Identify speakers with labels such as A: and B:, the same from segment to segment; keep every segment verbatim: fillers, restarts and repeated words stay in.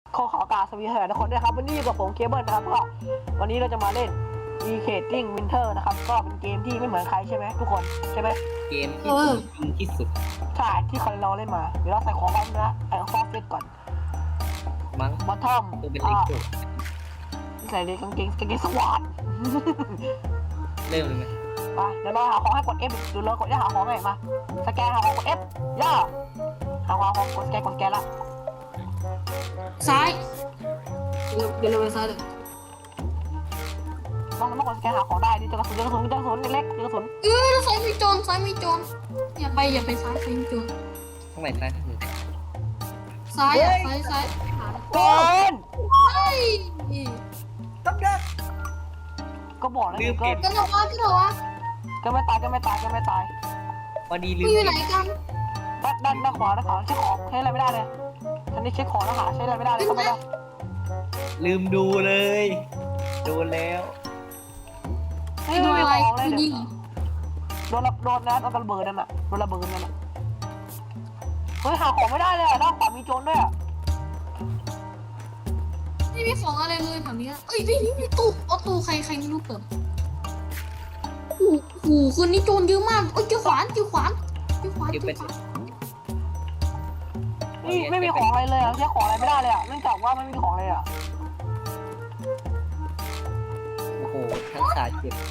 A: ขอขอกราบสวัสดีทุกคนด้วยครับวันนี้อยู่กับผมเคเบิลนะครับก็วันนี้เราจะมาเล่น Decading Winter นะครับก็เป็นเกมที่ไม่เหมือนใครใช่ไหมทุกคนใช่ไหม
B: เกมที่จริงที่สุด
A: ใช่ที่คนเราเล่นมาเดี๋ยวเราใส่ของกันนะไอ้ฟอสเฟตก่อน
B: มั้ง
A: บอททอม
B: ตัวเป็นเล็กสุด
A: ใส่เลยกางเกงกางเกงสวอต
B: เริ่มเลยไหม
A: มาเดี๋ยวเราหาของให้กด F ดูเรากดได้หาของไงมาสแกนหาของกด F ย่าหาของกดสแกนกดสแกนละ
C: ซ้ายเดี๋ยวเราไปซ้ายเลย
A: ต้องต้องกดสแกนหาของได้ดิเจอกระสุนเจอกระสุนเจอกระสุนเล็กๆเจอกระสุน
C: เออซ้ายมีโจรซ้ายมีโจรอย่าไปอย่าไปซ้ายซ้ายมีโจร
B: ข้างไหนซ้ายข้างไหน
C: ซ้ายอ่ะซ้ายซ้าย
A: โดน
C: เฮ้ย
A: ต้องเด็กก็บอกแล้วก็
C: ก็เถอะวะก็เถอะวะ
A: ก็ไม่ตายก็ไม่ตายก็ไม่ตาย
B: พอดีลืม
C: อยู่ไหนกัน
A: ด้านด้านด้านขวาด้านขวาเช็คของใช้อะไรไม่ได้เลยฉันนี่เช็คของแล้วหาใช้อะไรไม่ได้เลยก็ไม่ได้
B: ลืมดูเลยโดนแล้ว
A: ไม่มีของเลยเดี๋ยวโดนโดนนะโดนระเบิดนั่นน่ะโดนระเบิดนั่นน่ะเฮ้ยหาของไม่ได้เลยด้านขวามีโจรด้วย
C: ไม่มีของอะไรเลยแบบนี้เอ้ยนี่นี่ตู้เอาตู้ใครใครไม่รู้เปิดโอ้โหคืนนี้โจรเยอะมากเอ้ยเจอขวานเจอขวานเจอขวานเจอขวาน
A: นี่ไม่มีของอะไรเลยใช้ของอะไรไม่ได้เลยอ่ะเนื่องจากว่าไม่มีของเลยอ่ะ
B: โอ้โหทั้งขาเจ็บ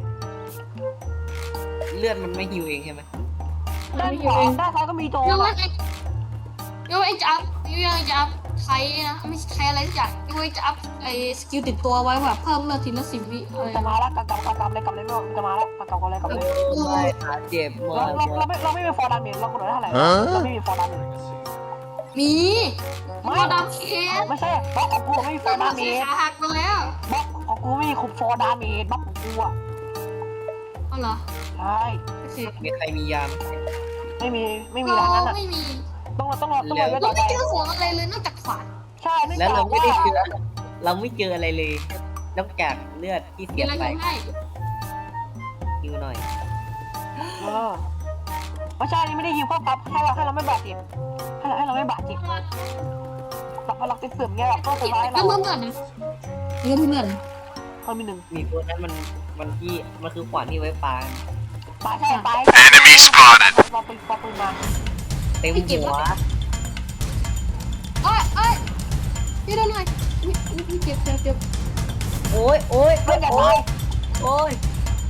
B: เลือดมันไม่ฮิวเองใช่ไหม
A: ด้านขวาด้านซ้ายก็มีโจร
C: ยังไงยังไงจะอัพยังไงจะอัพไทยนะไม่ใช่ไทยอะไรสักอย่างยังไงจะอัพไอ้สกิลติดตัวไว้แบบเพิ่มเลือดทีละสิบวิอะไร
A: จะมาแล้วกลับกลับกลับเลยกลับเลยไม่จะมาแล้วกลับกลับเลยกลับเลย
B: ขาเจ็บหมด
A: เราเราไม่เราไม่มีฟอร์ดาเมจเรากดได้เท่าไหร่เราไม่มีฟอร์ดาเมจ
C: มี
A: ไม่
C: ดามเคส
A: ไม่ใช่บล็อกของกูไม่มีฟอร์ดาเมจ
C: ขาหักไปแล้ว
A: บล็อกของกูไม่มีคุมฟอร์ดาเมจบล็อกของกูอ่ะ
C: อ๋อเหรอ
A: ใช่
B: มีใครมียา
A: ไม่มีไม่มีอะไรนั้นอ่ะ
C: ไม่มี
A: ต้องรอต้องรอต้องรอไว้ต่
C: อ
A: ไป
C: เราไม่เจอของอะไรเลยนอกจากขวาน
A: ใช่
B: แล้วเราไม่ได้เจอเราไม่เจออะไรเลยนอกจากเลือดที่เสียไปฮิวหน่อย
A: เออไม่ใช่นี่ไม่ได้ฮิวเพิ่มปั๊บให้เราให้เราไม่บาดเจ็บให้เราให้เราไม่บาดเจ็บแบบพอเราติดเสื่อมเงี้ยก็สบายเรา
C: ก็เมื่อเมื่อนะเมื่อเมื่อ
A: เขามีหนึ่ง
B: มีตัวนั้นมันมันที่มันคือขวานที่ไว้ปา
A: ปาใช่ปาเราไปปาปืนมา
B: เต็มหัว
C: เอ้ยเอ้ยนี่ได้หน่อยนี่นี่เจ็บเจ็บเจ็บ
B: โอ้ยโอ้ย
A: เพื่อนอย่าตาย
B: โอ้ย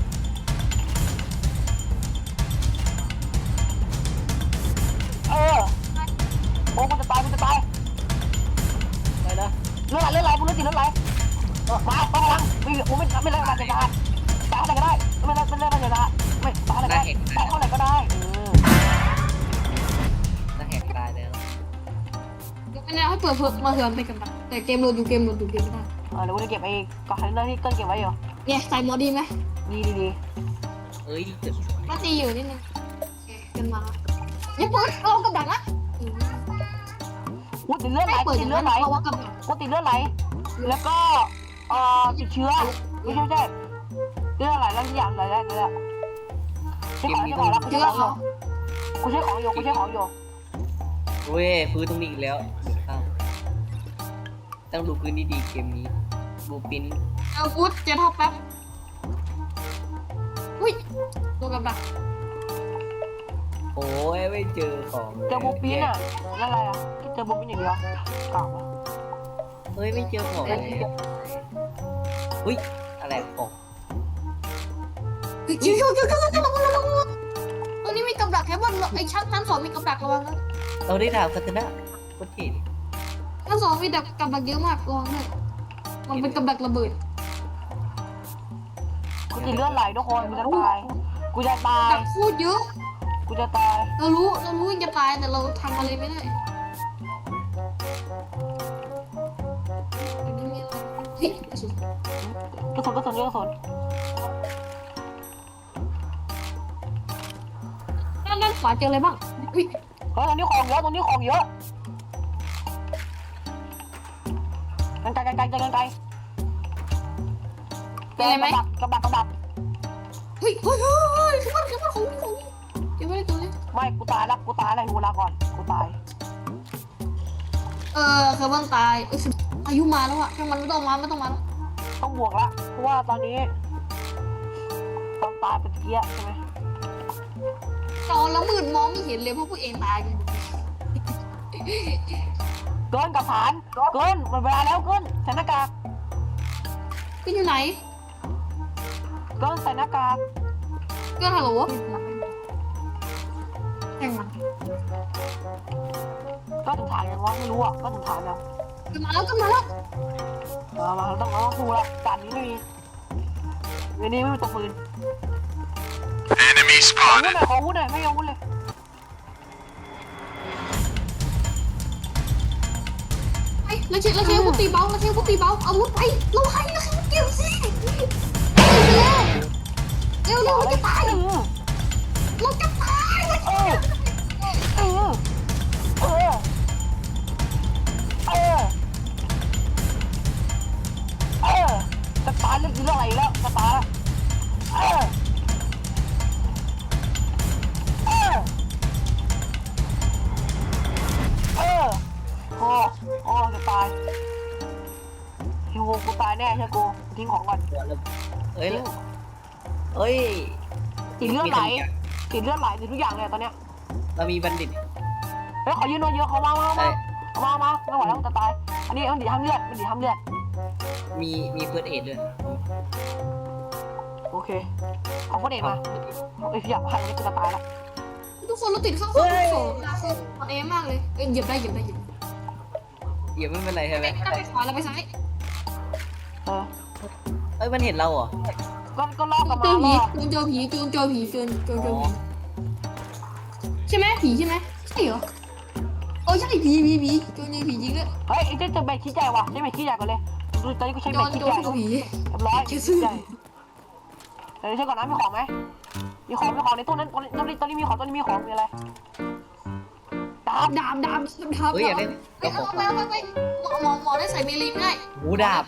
A: เออโอ้มันจะตายมันจะตาย
B: ไปนะ
A: เลือดไหลเลือดไหลมึงเลือดติดเลือดไหลมาต้องลังไม่กูไม่ไม่เล่นอะไรจะตายตายอะไรก็ได้ไม่เล่นไม่เล่นอะไรจะตายไม่ตายอะไรก็ได้ตายเท่าไหร่ก็ได้เออ
B: น่าแหกตายแล้ว
C: เดี๋ยวให้เปิดเพิ่มมาเถื่อนไปกันนะแต่เกมโหลดอยู่เกมโหลดอยู่เกมไม่ได้
A: เออเดี๋ยวกูจะเก็บไอ้กล่องคอนเทนเนอร์ที่เกิ้ลเก็บไว้อยู่
C: เนี่ยใส่หมอดีไหม
A: ดีดีดี
B: เอ้ย
C: ก็ตีอยู่นิดนึงกันมาอย่าเปิดเอากับดักนะ
A: กูติดเลือดไหลติดเลือดไหลกูติดเลือดไหลแล้วก็เอ่อติดเชื้อไม่ใช่ไม่ใช่เลือดไหลแล้วอย่างไรแล้วเนี่ยใช้ของใช้ของแล้วกูใช้ของอยู่กูใช้ของอยู่กูใช้ของอยู่
B: เว้ยพื้นตรงนี้อีกแล้วต้องดูพื้นดีๆเกมนี้บูปิน
C: เอาพุทจะทับแป๊บอุ้ยตัวกับดัก
B: โอ้ยไม่เจอของ
A: เจอบูปินอ่ะนั่นอะไรอ่ะเจอบูปินอย่างเดียวกล่าว
B: เฮ้ยไม่เจอของเลยอุ้ยอะไรของ
C: ชิวชิวชิวชิวชิวระวังระวังตรงนี้มีกับดักแค่บนไอ้ชั้นชั้นสองมีกับดักระวังนะ
B: เราได้ดาวกันนะโคตรเท่
C: ชั้นสองมีดักกับดักเยอะมากระวังเลยมันเป็นกับดักระเบิด
A: กูติดเลือดไหลทุกคนกูจะตายกูจะตาย
C: ดักพูดเยอะ
A: กูจะตาย
C: เรารู้เรารู้จะตายแต่เราทำอะไรไม่ได้เฮ้ยกระสุน
A: กระสุนกระสุนกระสุน
C: ด้านด้านขวาเจออะไรบ้างอุ้ย
A: เฮ้ยตรงนี้ของเยอะตรงนี้ของเยอะกันไกลกันไกลกันไกลเจอไหมกระดักกระดัก
C: เฮ้ยเฮ้ยเฮ้ยขึ้นมาขึ้นมาของนี่ของนี่เก็บไว้ในตัวเลย
A: ไม่กูตายแล้วกูตายแล้วกูลาก่อนกูตาย
C: เออเคเบิลตายเอออายุมาแล้วอะช่างมันไม่ต้องมาไม่ต้องมาแล้ว
A: ต้องบวกละเพราะว่าตอนนี้ต้องตายเป็นเกี้ยใช่ไหม
C: จอแล้วมืดมองไม่เห็นเลยเพราะพวกเองตายกัน
A: เกินกับฐานเกินหมดเวลาแล้วเกินใส่หน้ากาก
C: ก็อยู่ไหน
A: เกินใส่หน้ากาก
C: ก็ฮัลโหลแข่งมัน
A: ก็ถึงฐานยังวะไม่รู้อ่ะก็ถึงฐานแล้ว
C: ก็มาแล้วก็มาแล้ว
A: มามาเราต้องเราต้องสู้ละด่านนี้ไม่มีวันนี้ไม่มีตัวปืน
D: Enemy
A: ขออาวุธ
D: spotted.
A: หน่อยขออาวุธหน่อยไม่เอาอาวุธเลย
C: ไปแล้วเชฟแล้วเชฟพวกตีเบาแล้วเชฟพวกตีเบาอาวุธไปเราให้แล้วเชฟเกี่ยวสิเร็วเร็วเร็วเราจะตาย
A: เออ
C: เราจะตาย
A: เออเออเออเออเออจะตายเรื่องเรื่องอะไรแล้วจะตายแล้วเออเออเออโอ้โอ้จะตายฮิวกูตายแน่ใช่กูทิ้งของก่อน
B: เอ้ยเอ้ย
A: ติดเลือดไหลติดเลือดไหลติดทุกอย่างเลยตอนเนี้ย
B: เรามีบัณฑิต
A: เฮ้ยขอยืนหน่อยเยอะเขามามามาเอามามาไม่ไหวแล้วจะตายอันนี้มันดีทำเลือดมันดีทำเลือด
B: มีมีเฟิร์สเอดด้วย
A: โอเคเอาคนเอกมาเอ้ยพี่อยากให้เนี่ยกูจะตายแล้ว
C: ทุกคนเราติดข้างข้างโซ่คือมันเอมากเลยเอ้ยเหยียบได้เหยียบได้เหยียบ
B: เดี๋ยวไม่เป็นไรใช่ไหม
C: ไม่ต้องไปขวาเราไปซ้าย
A: เออ
B: เอ้ยมันเห็นเราเหรอ
A: ก็ก็ลอกกัน
C: เจ
A: มา
C: อ
A: ล
C: ผี
A: อก
C: จูนเจอผีจูนเจอผีจูนเจอเจอผีใช่ไหมผีใช่ไหมใช่เหรอโอ้ใช่ผีผีผีจูนเจอผีจริงด้วย
A: เฮ้ยไอ้เจ๊เจอเบ็ดขี้ใจว่ะใช้เบ็ดขี้ใจก่อนเลยตอนนี้กูใช้
C: โจ
A: เบ็ด
C: น
A: ขี้
C: โจ
A: ใจ
C: นเจอผี
A: เรียบร้อยขี้ใจเดี๋ยวใช้ก่อนนะมีของไหมมีของมีของในตู้นั้นตอนนี้ตอนนี้ตอนนี้มีของตอนนี้มีของมีอะไรดาบ
C: ดาบดาบดาบ
B: เฮ้ยอยากได้
C: ไปเอาไปเอาไปไปหมอหมอหมอได้ใส่เมลีไม่ได้
B: หูดาบ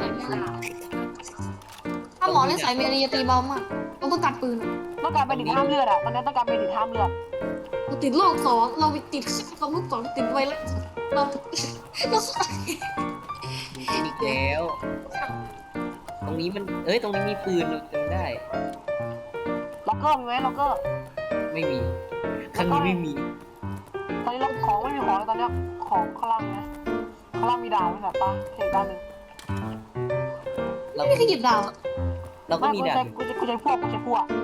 C: ถ้าหมอได้ใส่เมลีจะตีเบามากเราต้องตัดปืน
A: ต้องการเป็นดิห้ามเลือดอ่ะตอนนี้ต้องการเป็นดิห้ามเลือด
C: เราติดโรคสองเราไปติดความรู้สองติดไวรัสเราเรา
B: อีกแล้ว ตรงนี้มันเอ้ยตรงนี้มีปืนเราจำได้
A: ล็อกเกอร์มีไหมล็อกเกอร์
B: ไม่มีครั้งนี้ไม่มี
A: ตอนนี้เราของไม่มีของแล้วตอนเนี้ยของข้างล่างนะข้างล่างมีดาวไหมแบบปะเห็นด้านหนึ่ง
B: เรา
C: ไม่เคยหยิบดาว
B: เราก็มี
A: กู
B: ดา
A: ใช้
B: บ
A: กูใช้กูใช้พวกกูใช้พวก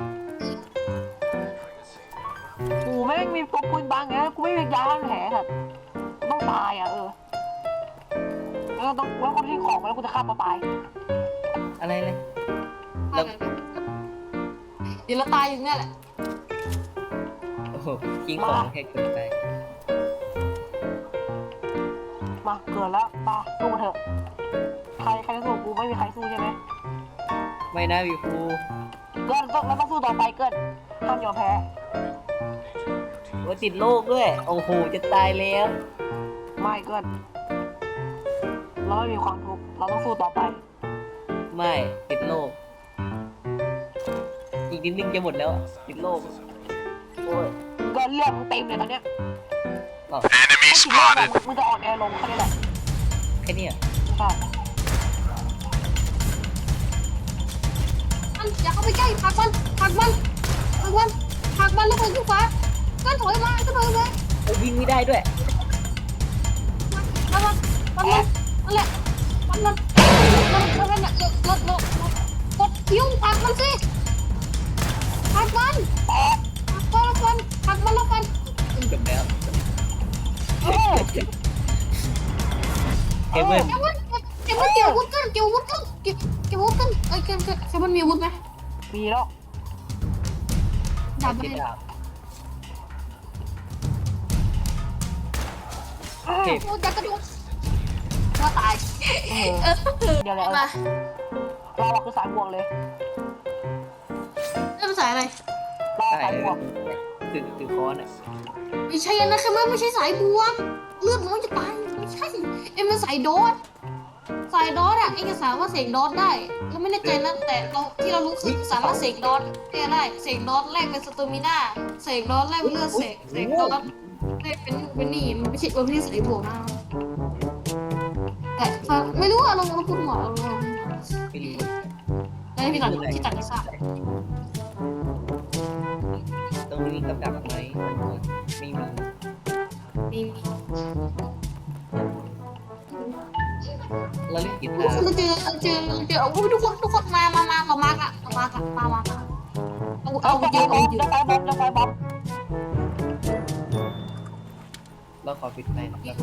A: กูไม่มีตัวปืนบางไงกูไม่มียาล้างแผลแบบต้องตายอ่ะเออแล้วต้องแล้วกูทิ้งของไปแล้วกูจะฆ่าตัวตาย
B: อะไรเลย
C: เดี๋ยวเราตายอยู่เนี่ยแหละ
B: โอ้โหทิ้งของแค่เกินไป
A: มาเกิดแล้วมาสู้เถอะใครใครจะสู้กูไม่มีใครสู้ใช่ไหม
B: ไม่นะวิวฟู
A: เกินต้องเราต้องสู้ต่อไปเกินห้ามยอมแพ้
B: ว่าติดโรคด้วย โอ้โหจะตายแล้ว
A: ไม่เกินเราไม่มีความทุกข์เราต้องสู้ต่อไป
B: ไม่ติดโรคอีกนิดนึงจะหมดแล้ว ติดโรคโอ้ย
A: เกินเลือดมึงเต็มเลยตอนเนี้ย
B: หรอ
D: Enemy
A: ถ้าติดเลือด
D: spotted.
A: มึงจะอ่อนแอลงแค่นี้แหละ
B: แค่เนี้ย
A: ใช่
C: มันอย่าเข้าไปใกล้ผักมันผักมันผักมันผักมันแล้วคนขึ้นฟ้าก็ถอยมาก็ถอยมา
B: โอ้วิ่งไม่ได้ด้วย
C: มันมันมันมันนั่นแหละมันมันมันมันมันเนี่ยรถรถกดคิ้วผักมันสิผักมันผักมันผักมันแล้วกัน
B: จบแล้ว
A: เออ
B: เคเบิล
C: เก็บวุ้นเก็บวุ้นเก็บวุ้นกันเก็บวุ้นกันเก็บเก็บวุ้นกันเอ้ยเก็บเก็บเก็บมันมีอาวุธไหม
A: มีแล้ว
C: ดาบ
B: เจ็
C: ไม่
B: ด
C: ได้
B: ดาบเจ็บ
C: โอ้ยจะกระโดดว่าตาย
A: เออเดี๋ยวเลย
C: มา
A: เราอะคือสายบวกเลย
C: เริ่มสายอะไร
A: เราสายบวก
B: ถือถือค้อนอ่ะ
C: ไม่ใช่นะแค่ไม่ใช่สายบวกเลือดน้อยจะตายไม่ใช่เอ็มเป็นสายโดสสายโดสอะเอ็งจะสามารถเสกโดสได้เราไม่แน่ใจนะแต่เราที่เรารู้คือสามารถเสกโดสได้เสกโดสแรกเป็นสเตอร์มิน่าเสกโดสแรกเป็นเลือดเสกเสกโดสแรกเป็นเป็นนี่มันไม่ใช่มันไม่ใช่สายบวกนะแต่ไม่รู้อะเราเราพูดหมดเรา
B: ไม่รู้
C: ได้พี่ตัดพี่ตัดที่ทราบ
B: ตรงนี้มีกับดักไหมไม่มี
C: มีมี
B: เราเล่นกี
C: ทุ
B: ตาก
C: คน
B: ร์
C: เจอเจอเจอโอ้ยทุกคนทุกคนมามามาเรามากอะเรามากอะมามาเอา
A: เอา
C: เอา
A: ไป
C: เย
A: บอ
C: อะ
A: ม
C: เอาเย
A: จะ
C: อะ
A: ไปบอมจะไปบอม
B: เราขอปิดไมค์นะครับ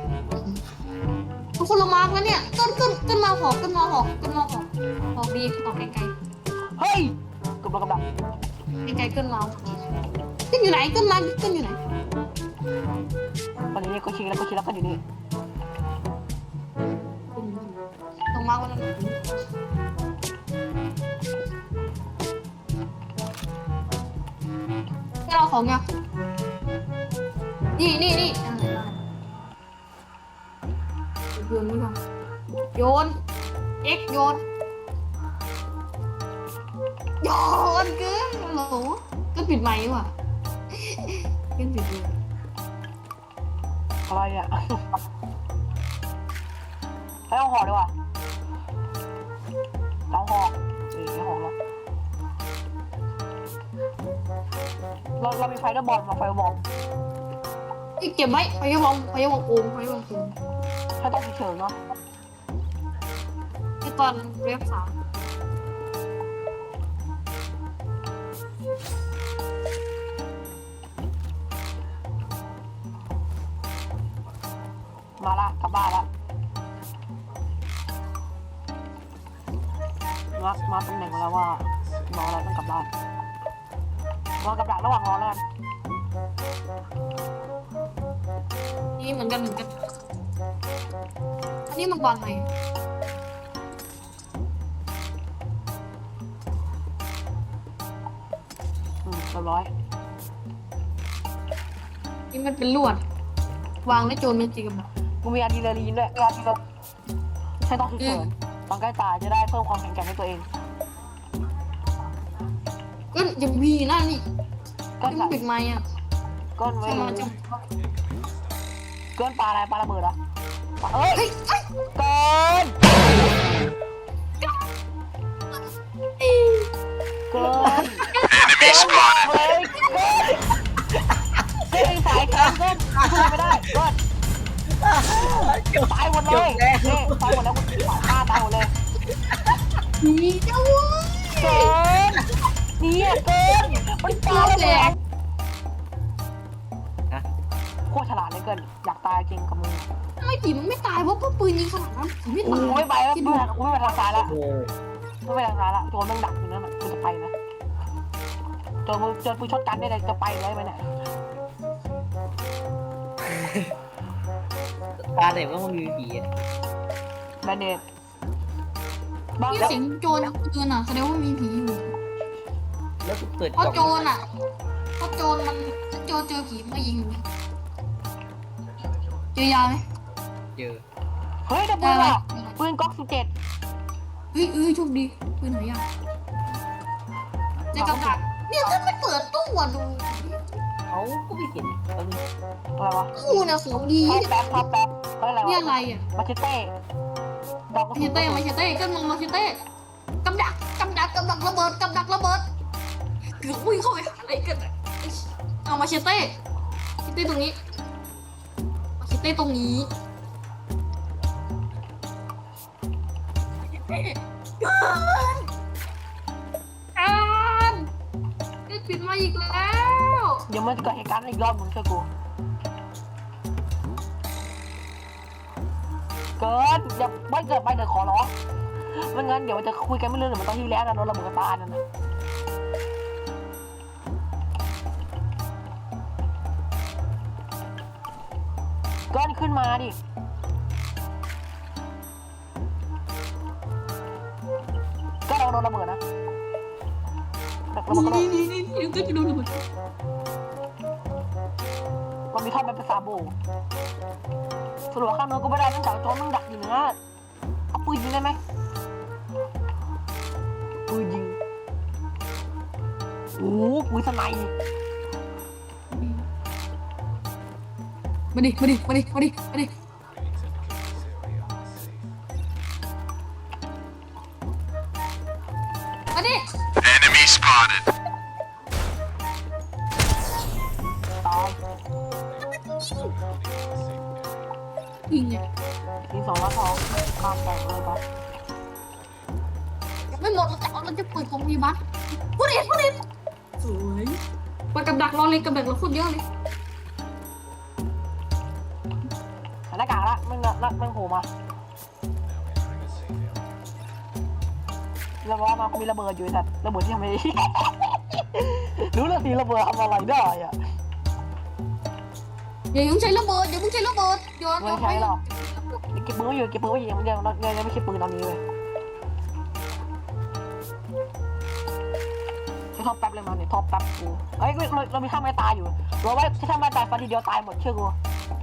C: ทุกคนเรามาแล้วเนี่ยขึ้นขึ้นขึ้นมาหอกขึ้นมาหอกขึ้นมาหอกหอกดีหอกไกล
A: เฮ้ยกำลังกำลัง
C: ๆไกลๆขึ้นมาขึ้นอยู่ไหนขึ้นมาขึ้นอยู่ไหน
A: ตอนนี้ก็ชิงแล้วก็ชิงแล้วก็อยู่นี่
C: ตรงมาวันนั้นให้เราของยังนี่นี่นี่โยนนี่ก่อนโยนเอ็กโยนโยนเกินโหลก็ปิดไมค์ว่ะก็ปิดเลย
A: อะไรเนี่ยให้เอาหอดีกว่าเอาหอนี่ไม่หอแล้วเราเรามีไฟเดอร์บอลมาไฟบอล
C: อีกเก็บไว้พยาบองพยาบองโอมพยาบองโอม
A: ถ้าต้องเฉยๆเนาะ
C: ไอตอนเรียบสาม
A: มาละกลับบ้านละมามาตำแหน่งมาแล้วว่ารออะไรต้องกลับบ้านรอกับดักระหว่างรอแล้วกัน
C: นี่เหมือนกันเหมือนกันอันนี้มังกรไหม
A: อืมเรียบร้อย
C: นี่มันเป็นลวดวางได้โจรไม่จริงกับมัน
A: กูมีอะดรีนาลีนด้วยอะดรีนาลีนใช้ต้องฉุกเฉินตอนใกล้ตายจะได้เพิ่มความแข็งแกร่งให้ตัวเอง
C: ก็ยังมีนั่นนี่
A: ก็
C: ที่
A: ใส่
C: มันปิดไม้อ่ะ
A: ก้นไว้
C: ใช่ไหมจะ
A: เกินปลาอะไรปลาระเบิดเหรอเอ้ย
C: เฮ้ยเฮ้ย
A: เกินเกิน
D: Enemy spotted.
A: เฮ้ยเกินเกินสายแข็งเกินช่วยไม่ได้เกิน
B: จบ
A: ตายหมดเล
B: จ
A: ย
B: บแล้ว
A: นี่ตายหมดแล้วกูตายฆ่าตายหมดเลย
C: มีเจ้าเว้ย
A: เกินเนี่ยเกินมันปลาระเบิด
B: นะ
A: โคตรฉลาดเลยเกินอยากตายจริงกับมึง
C: ทำไมผีมันไม่ตายเพราะว่าปืนยิงขนาดนั้นผีไม่
A: กู
C: ตาย
A: ไม่ไปแล้ว
C: คิด
A: กู
C: ดู
A: ไม่กูไม่ไปทางซ้ายแล้ว
B: โอ้
A: ไม่ไปทางซ้ายแล้วโจรแม่งดักอยู่นั่นน่ะกูจะไปนะโจรมึงโจรปืนช็อตกันได้เลยจะไปเลยไหมเนี่ย
B: ตาไหนว่ามันมีผีอ่ะ
A: แบนเดดบาง
C: ที่
A: แล้ว
C: เสียงโจรปืนอ่ะแสดงว่ามีผีอยู่
B: แล้วกูเปิด
C: เพราะโจรอ่ะเพราะโจรมันถ้าโจรเจอผีมันก็ยิงอยู่เจอยาไหม
B: เจอ
A: เฮ้ยเดี๋ยวปืนอ่ะปืนก๊อกสิบเจ็ด
C: เฮ้ยเอ้ยโชคดีปืนหายากเจอกับดักเนี่ยถ้าไม่เปิดตู้อ่ะดู
B: เขาก็ไม่เห็นแล้วนี่
A: อะไรวะ
C: ตู้เนี่ยของดี
A: ภาพแป๊บภาพแป๊บเฮ้ยอะไร
C: นี่
A: วะ
C: อะไรอ่ะ
A: มาเชเต้ดอกกระ
C: มา
A: สุ
C: เช
A: น
C: เต้มาเชเต้ก็มึงมาเชเต้กำดักกำดักกำดักระเบิดกำดักระเบิดเกือบวิ่งเข้าไปหาอะไรกันอะเอามาเชเต้เชเต้ตรงนี้มาเชเต้ตรงนี้เกินการได้ปิดมาอีกแล้ว
A: เดี๋ยวมันจะเกิดเหตุการณ์อีกรอบมึงเชื่อกูเกินอย่าไม่เกิดไปเดี๋ยวขอร้องไม่งั้นเดี๋ยวมันจะคุยกันไม่เรื่องเดี๋ยวมันต้องที่แล้วนะโดนระเบิดกระตานั่นนะเกินขึ้นมาดิก็ลองโดนระเบิดนะแต่ระเบิดก็โด
C: นี่
A: น
C: นี่นี่นี่ก็จะโดนระเบิด
A: มันมีท่อนเป็นภาษาโบสรุปว่าข้างโน้นก็ไม่ได้เนื่องจากโจรมันดักอยู่เนื้อเอาปืนยิงได้ไหมปืนยิงโอ้โหปืนสไนป์
C: มาดิมาดิมาดิมาดิมาดิมาดิ
D: Enemy spotted.
A: ตาย
C: ยิงไง
A: ทีสองแล้วสองข้ามแตกเลยครับ
C: ยังไม่หมดเราจะเอาเราจะเปิดของมีบัตพูดเองพูดเองสวยไปกับดักรอเลยกับดักเราโคตรเยอะเลย
A: ใส่หน้ากากละมึงละมึงโผล่มาแล้วว่ามามีระเบิดอยู่สัตว์ระเบิดที่ทำไม รู้เลยทีระเบิดทำอะไรได้อะ
C: อย่ายุ่งใช้ระเบิดอย่าเพิ่งใช้ระเบิดโยนโยนไป
A: เก็บปืนไว้อยู่เก็บปืนไว้อยู่ยังยังยังยังไม่ใช่ปืนตอนนี้เลยใช้ท็อปแป๊บเลยมาเนี่ยท็อปแป๊บกูเฮ้ยเราเรามีท่าไม้ตายอยู่เราไว้ถ้าไม้ตายฟันทีเดียวตายหมดเชื่อกู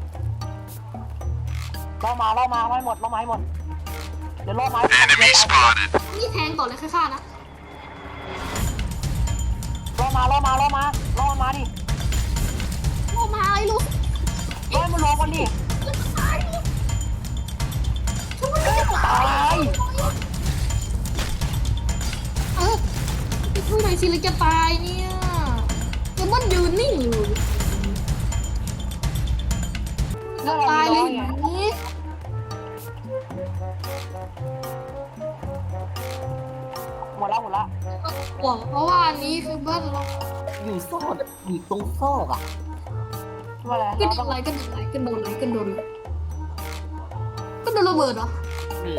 A: เรามาเรามาไว้หมดเรามาให้หมดเดี๋ยวล่อไม้
D: Enemy spotted.
C: นี่แทงก่อนเลยค่าๆนะ
A: ล่อมาล่อมาล่อมาล่อมันมาดิ
C: โอ้มาไอ้ลูก
A: ล่อมันลงกันดิ
C: ตายเลยฉันไม่ได้
A: ตาย
C: เออไปช่วยหน่อยสิเลยจะตายเนี่ยจะมันยืนนิ่งอยู่
A: เรื่อง
C: ตายเลย
A: ไง
C: นี่
A: หมดแล้วหมดแล้ว
C: หวังเพราะว่าอันนี้คือบ้านเรา
B: อยู่ซอกอยู่ตรงซอกอ่ะ
A: ว่าอะไร
C: ก็
A: เรา
C: โด
A: ต้อน ง
C: อะไรก็โดนอะไรก็โดนอะไรก็โดนก็โดนระเบิดเหรอ
B: นี่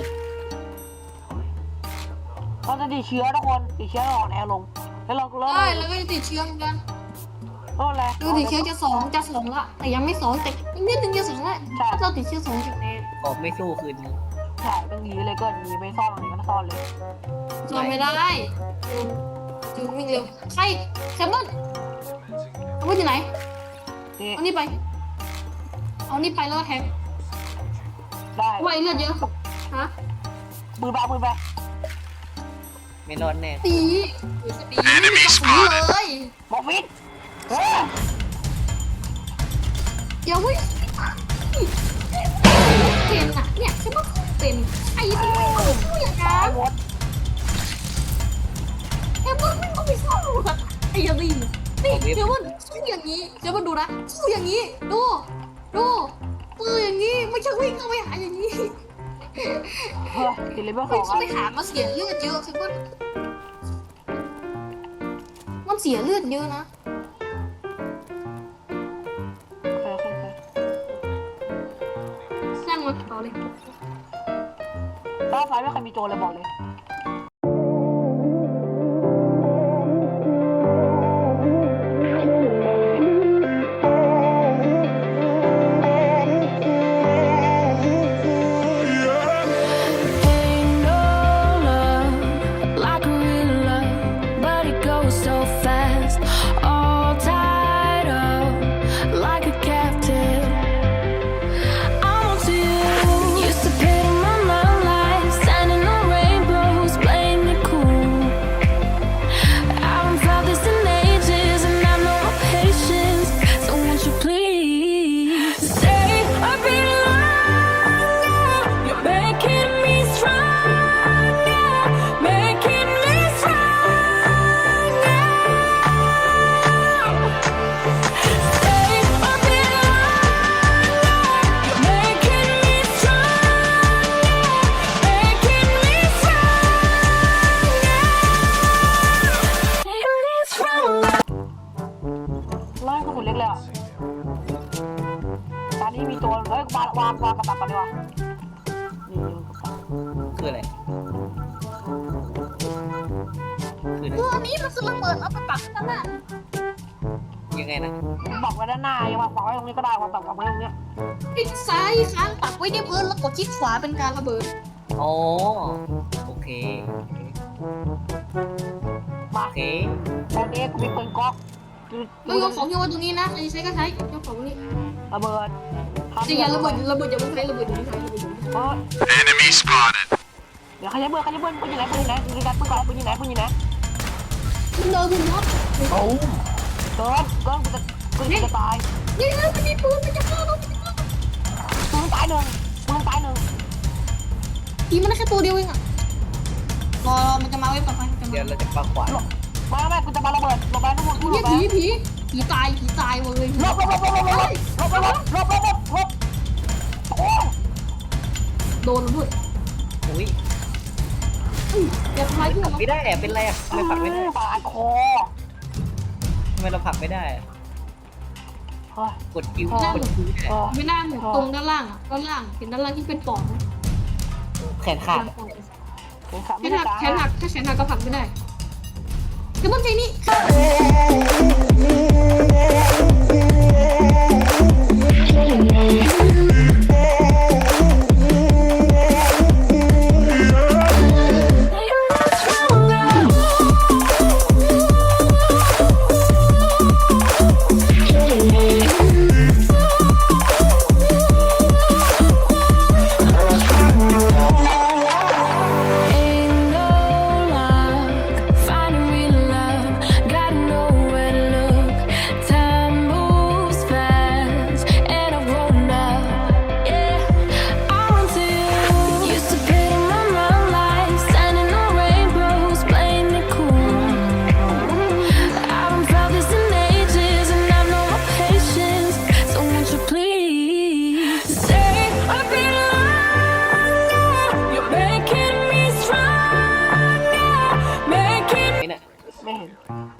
A: เราจะติดเชื้อทุกคนติดเชื้ออ่อนแอลงแล้วเราเริ่ม
C: ใช่แล้วก็จะติดเชื้อเหมือนกัน
A: เริ่มอะไร
C: ดูติดเชื้อจะสองจะสองละแต่ยังไม่สองแต่อีกนิดนึงจะสองละถ้าเราติดเชื้อสองจุดเอ็ด
B: ออกไม่สู้คืนนี้
A: ใช่ต้องหนีเลยก็หนีไปซ่อนอะไรก็ซ่อนเลย
C: จอไม่ได้จูวิ่งเร็วใครแคมเบิลเอาไปที่ไหน
A: นี่
C: เอานี่ไป เอานี่ไปแล้วแทง
A: ได้
C: ไว้เลือดเยอะฮะ
A: มือไปมือไป
B: ไม่รอดแน่
C: ตีตีไม่มีกระสุนเลย
A: บอกฟิตเฮ้ย
C: เดี๋ยวเว้ยเป็นอ่ะเนี่ยฉันว่าเป็นไอ้ที่ไม่รู้อย่างนั้
A: ตาย
C: น
A: หมด
C: แคมเบิลไม่ต้องไปซ่อมอ่ะไอ้ยาดีนี่แคมเบิลสู้อย่างนี้แคมเบิลดูนะสู้อย่างนี้ดูดูปืนอย่างนี้ไม่ใช่วิ่งเข้าไปหาอย่างนี้
A: เฮ้ยติดเลเวลส
C: ไม่
A: อง
C: ใช่ไปหามาเสียเลือดเยอะคือมันมันเสียเลือดเยอะนะ
A: โอเคโอเคโอเค
C: สร้างมันต่อเลย
A: รอบซ้ายไม่เคยมีโจรเลยบอกเลย
E: Ain't no love like real love, but it goes so fast. All tied up like a captive. I'm on to you. Used to pity my love life, standing on rainbows, playing it cool. I haven't felt this in ages, and I know my patience. So won't you please stay a bit longer? You're making me stronger, making me stronger. Stay a bit longer. You're making me stronger, making me stronger, making me stronger.
A: ไล่กระสุนเล็กเลยอ่ะตอนนี้มีโจรเฮ้ยวางวางวางกระตับก่อนดีกว่านี่
B: คืออะไรคืออะไร
C: ตัวนี้มันคือระเบิดเอาไปปักข้างหน้า
B: ยังไงนะ
A: บอกไว้ด้านหน้ายังวางวางไว้ตรงนี้ก็ได้วางตับวางไว้ตรงเนี้ย
C: คลิกซ้ายค้างปักไว้ที่พื้นแล้วกดคลิกขวาเป็นการระเบิด
B: อ๋อโอเค
A: มา
B: โอเค
A: ตอนนี้กูมีปืนก๊อกคือ
C: ไม่ยกของโยนตรงนี้นะใครใช้ก็ใช้ยกของนี่
A: ระเบิดทำ
C: จริงๆระเบิดระเบิดอย่าเพิ่งใช้ระเบิดอย่าเพิ่งใช้ระเบิดอย่าเพิ่งใช้
A: เฮ้ย
D: Enemy spotted.
A: เดี๋ยวใครจะเบิดใครจะเบิดปืนอยู่ไหนปืนอยู่ไหนปืนอยู่ไหนปืนก่อนปืนอยู่ไหนปืนอยู่ไหน
C: คุณเดินคุณน็อต
B: โอ้
A: เกินเกินกูจะปืนกูจะตาย
C: นี่นะมันมีปืนมันจะฆ่าเรามันจะฆ่าเรา
A: ปืนตายหนึ่งปืนตายหนึ่ง
C: ทีมันได้แค่ตัวเดียวเองอ่ะ
A: โด
C: รอมันจะมาเว็บต่อไปจะ
B: เดี๋ยว
C: มา
B: เราจะปาขวาน
A: มาไม่กูจะมาระเบิดหลบไปทุกคนกูหล
C: เฮีย
A: บไป
C: ผีผีผีตายผีตายเลย
A: หลบหลบหลบหลบหลบหลบหลบหลบหลบหลบหลบหลบโอ้
C: โดนแล้วด้วย
B: อุ้ย
C: เดี๋ยวทำลายเพื่อน
B: ไม่ได้อะเป็นไรอะทำไมผลักไม่ได้
A: ปาดคอ
B: ทำไมเราผลักไม่ได้อะ
A: เฮ้ย
B: กดคิวกดคิวไม่ได้
A: เออ
C: ไม่น่าหมุนตรงด้านล่างอ่ะด้านล่างเห็นด้านล่างที่เป็นปอดไหม
B: แขนขาดอะ
A: แขน
C: แขนหักแขนหักถ้าแขนหักก็ผลักไม่ได้เดี๋ยวต้องใช้นี่
E: Ain't no luck finding real love. Gotta know where to look. Time moves fast, and I've grown up. Yeah, I run to you. Used to pay my mind like standing on rainbows, playing it cool. I haven't felt this in ages, and I've no more patience. So won't you please say I've been longer? You're making me stronger, making
B: ไม่น่ะ
A: ไม่เห็น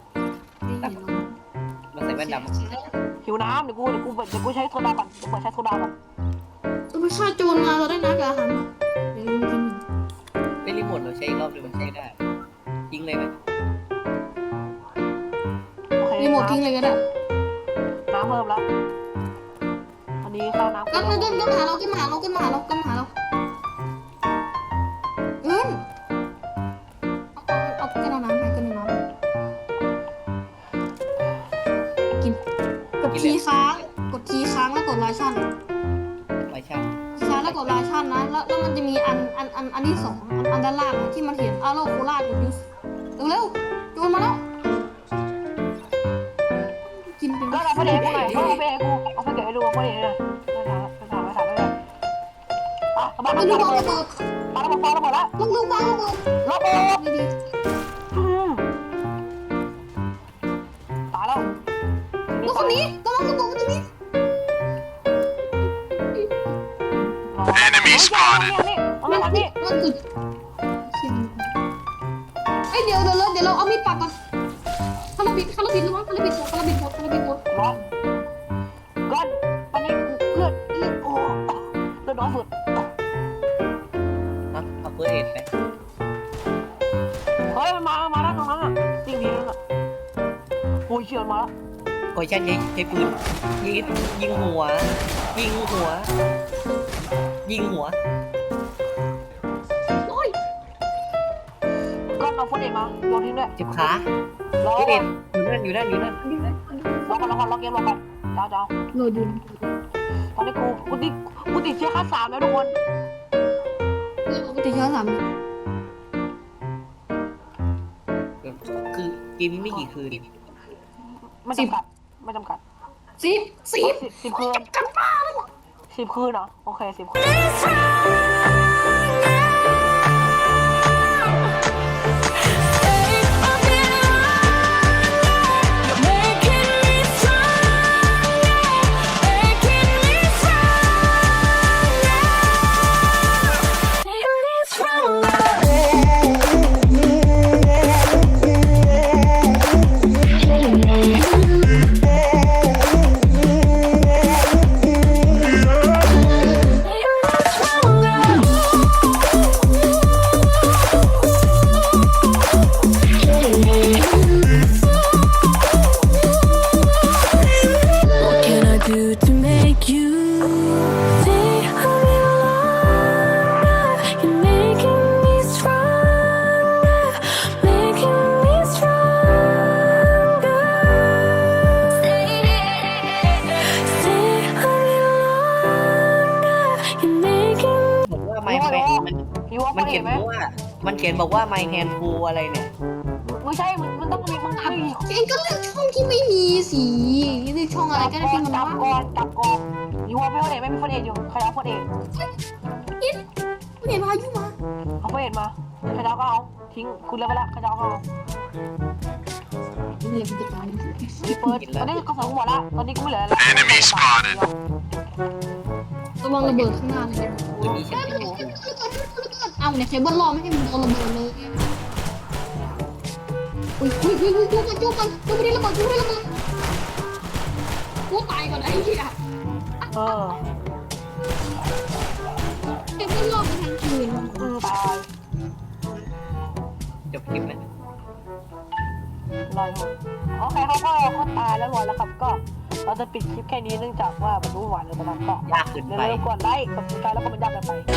B: มาใส่แว่นดำ
A: หิวน้ำเดี๋ยวกูเดี๋ยวกูเดี๋ยวกูใช้โซดาก่อนเดี๋ยวกูใช้โซดาก่อน
C: ต้องไปฆ่าโจรมาเราได้นักอาหารเดี๋ยวกิน
B: เป็นรีโมทเราใช้อีกรอบหนึงมันใช้ได้ทิ้งเลยไหม
A: โอเค
C: รีโมททิ้งเลยก็ได้
A: น้ำเพิ่มแล้วอันนี้ข้าวน้ำ
C: ก็ก็ก็มาหาเราก็มาหาเราก็มาหาเราก็มาหาเราเอิ้นเอาเอาเอากันเอาน้ำไปกันเอาน้ำกินกดคีย์ค้างกดคีย์ค้างแล้วกดไลชั่น
B: ไปช่าง
C: คีย์ค้างแล้วกดไลชั่นนะแล้วแล้วมันจะมีอันอันอันอันที่สองอันอันด้านล่างที่มันเห็นอาโลโคราชกดยูสเร็วๆโจรมาแล้วกินเป็น
A: ก็เอาไปเด็กกูหน่อยก็เอาไปเด็กกูเอาไปเด็กให้ดูเอาไปเด็กเลยไปถามไปถามไปถามไปเลยอ่ะมา
C: ไป
A: มา
C: ดู
A: มา
C: บอล
A: มา
C: ระเบิด
A: มาแล้วมาแล้วมาแล้ว
C: ลูกลูกบอลระเบิด
A: ระเบิด
C: ดี
A: อืมตายแล้ว
C: ๆลูกคนนี้กำลังระเบิดตรงนี้
D: Enemy spotted
A: นี่เอามาทางนี้
C: มันจุดเอ้ยเดี๋ยวเดี๋ยวเราเดี๋ยวเราเอามีดปักก่อนคาราบิดคาราบิดระวังคาราบิดหมดคาราบิดหมดคาราบิดหมด
A: ร้อนก้อนตอนนี้เลือดเลือดโอ้เลือดน้อยสุด
B: นะเอาเฟิร์สเอ็ดไป
A: เฮ้ยมันมามาแล้วตรงนั้นอ่ะจริงดีนั่นอ่ะโอ้ยเฉียดมาแล้ว
B: โอ้ยช่างใช้ใช้ปืนยิงยิงหัว ยิงหัว ยิงหัว
C: โอ้ย
A: ก้อนเอาฟุตเอกมาโยนทิ้งด้วย
B: เจ็บขา
A: รอ
B: เฟิร์ส
A: ก่
B: เอ็
A: อน
B: ดอยู่นั่นอยู่นั่นอยู่นั่น
A: รอก่อนรอก่อนรอเกมรอก่อนเจ้าเจ้า
C: โหลดอยู่
A: ตอนนี้กูกูติดกูติดเชื้อขั้นสามแล้วทุกคน
C: เรื่องปกติเชื้อสาม
B: คือเกมนี้ไม่กี่คืน
A: ไม่จำกัดไม่จำกัด
C: สิบสิบ
A: สิบสิบคืน
C: กันบ้า
A: สิบคืนเหรอโอเคสิบคืน
E: What can I do to make you stay a little longer? You're making me stronger, making me stronger. Stay, stay a little longer. You're making
B: บอกว่าไมค์แฟนมัน
A: พี่ว่า
B: มัน
A: เห็
B: เขีย
A: น
B: น
A: ไหม
B: ว่า มันเขียนบอกว่า my hand full อะไรเนี่ย
A: ไม่ใช่มันมันต้องมีมันต้องมี
C: เองก็เลือกช่องที่ไม่มีสีเลือกช่องอะไรก็ได้ที่มัน
A: จับ
C: ว่า
A: ก่อนจับก่อนพี่ว่าพี่ว่าเอกไม่มีฟุตเอกอยู่ใครเอาฟุตเอก
C: อินเห็นพายุมา
A: เขาไม่เห็นมาขยาวก็เอาทิ้งคุณเล่นไปแล้วขยาวก็เอา
C: เรียนจะตาย
A: รีเปิดตอนนี้กระสุนหมดละตอนนี้ก็ไม่เหลือแล้ว
D: Enemy spotted
C: ระวังระเบิดข้างหน้าเลย
B: วันนี้ฉันไม่รู้
C: เอาเนี่ยเคเบิลรอไม่ให้มึงโดนระเบิดเลยอุ้ยอุ้ยอุ้ยอุ้ยจุกกันจุกกันจุกไม่ได้ระเบิดจุกไม่ได้ระเบิดกูตายก่อนไอ้เหี้ย
A: เออ
C: เคเบิลรอไปทางคืน
A: อืมตาย
B: จบคลิปไหม
A: ลอยครับโอเคเขาก็เขาตายแล้วรอยแล้วครับก็เราจะปิดคลิปแค่นี้เนื่องจากว่ามันรู้หวานเลยตอนนั้นก็
B: ยากเกิน
A: อย่า
B: ไป
A: ลืมกดไลค์กดติดตามแล้วก็มันยากกันไป